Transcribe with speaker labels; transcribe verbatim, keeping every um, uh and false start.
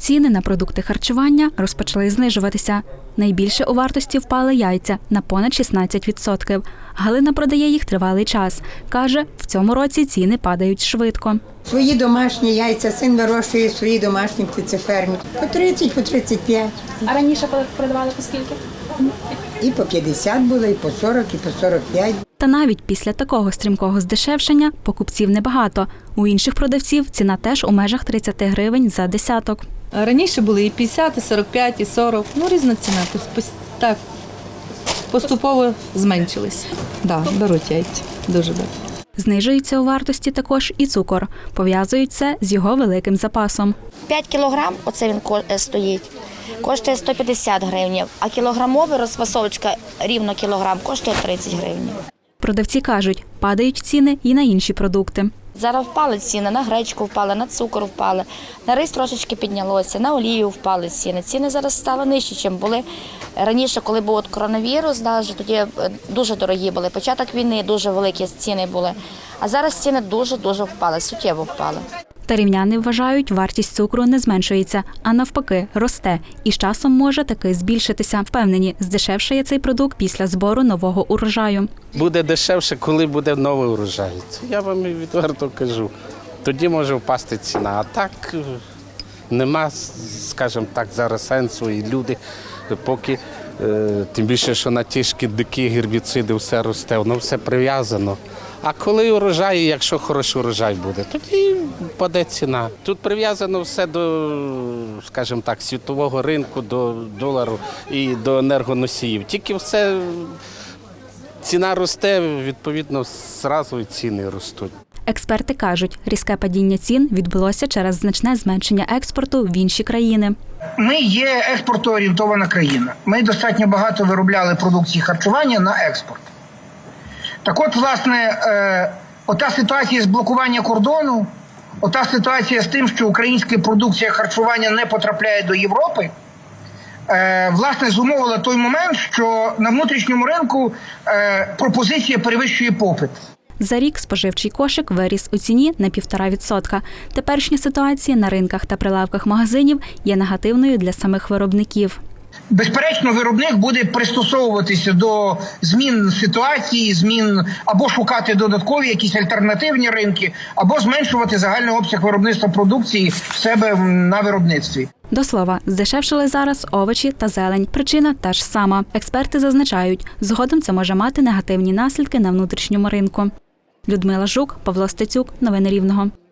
Speaker 1: Ціни на продукти харчування розпочали знижуватися. Найбільше у вартості впали яйця – на понад шістнадцять відсотків. Галина продає їх тривалий час. Каже, в цьому році ціни падають швидко.
Speaker 2: Свої домашні яйця, син вирощує свої домашні птицефермі. По тридцять, по тридцять п'ять.
Speaker 3: А раніше продавали по скільки?
Speaker 2: І по п'ятдесят було, і по сорок, і по сорок п'ять.
Speaker 1: Та навіть після такого стрімкого здешевшення покупців небагато. У інших продавців ціна теж у межах тридцять гривень за десяток.
Speaker 4: Раніше були і п'ятдесят, і сорок п'ять, і сорок. Ну, різна ціна. Так, поступово зменшились. Так, да, беруть яйця. Дуже беруть.
Speaker 1: Знижується у вартості також і цукор. Пов'язують це з його великим запасом.
Speaker 5: п'ять кілограм, оце він стоїть, коштує сто п'ятдесят гривень, а кілограмова розфасовочка рівно кілограм коштує тридцять гривень.
Speaker 1: Продавці кажуть, падають ціни і на інші продукти.
Speaker 5: Зараз впали ціни, на гречку впали, на цукор впали, на рис трошечки піднялося, на олію впали ціни. Ціни зараз стали нижчі, ніж були раніше, коли був от коронавірус, навіть, тоді дуже дорогі були. Початок війни дуже великі ціни були, а зараз ціни дуже-дуже впали, суттєво впали.
Speaker 1: Та рівняни вважають, вартість цукру не зменшується, а навпаки росте. І з часом може таки збільшитися. Впевнені, здешевшає цей продукт після збору нового урожаю.
Speaker 6: Буде дешевше, коли буде новий урожай. Я вам відверто кажу. Тоді може впасти ціна. А так нема, скажімо так, зараз сенсу. І люди поки, тим більше, що на ті шкідники, гербіциди, все росте, воно все прив'язано. А коли урожай, якщо хороший урожай буде, тоді паде ціна. Тут прив'язано все до, скажімо так, світового ринку, до долару і до енергоносіїв. Тільки все, ціна росте, відповідно, зразу і ціни ростуть.
Speaker 1: Експерти кажуть, різке падіння цін відбулося через значне зменшення експорту в інші країни.
Speaker 7: Ми є експортоорієнтована країна. Ми достатньо багато виробляли продукції харчування на експорт. Так от, власне, ота ситуація з блокування кордону, ота ситуація з тим, що українська продукція харчування не потрапляє до Європи, власне, зумовила той момент, що на внутрішньому ринку пропозиція перевищує попит.
Speaker 1: За рік споживчий кошик виріс у ціні на півтора відсотка. Теперішня ситуація на ринках та прилавках магазинів є негативною для самих виробників.
Speaker 7: Безперечно, виробник буде пристосовуватися до змін ситуації, змін або шукати додаткові якісь альтернативні ринки, або зменшувати загальний обсяг виробництва продукції в себе на виробництві.
Speaker 1: До слова, здешевшили зараз овочі та зелень. Причина та ж сама. Експерти зазначають, згодом це може мати негативні наслідки на внутрішньому ринку. Людмила Жук, Павло Стецюк. Новини Рівного.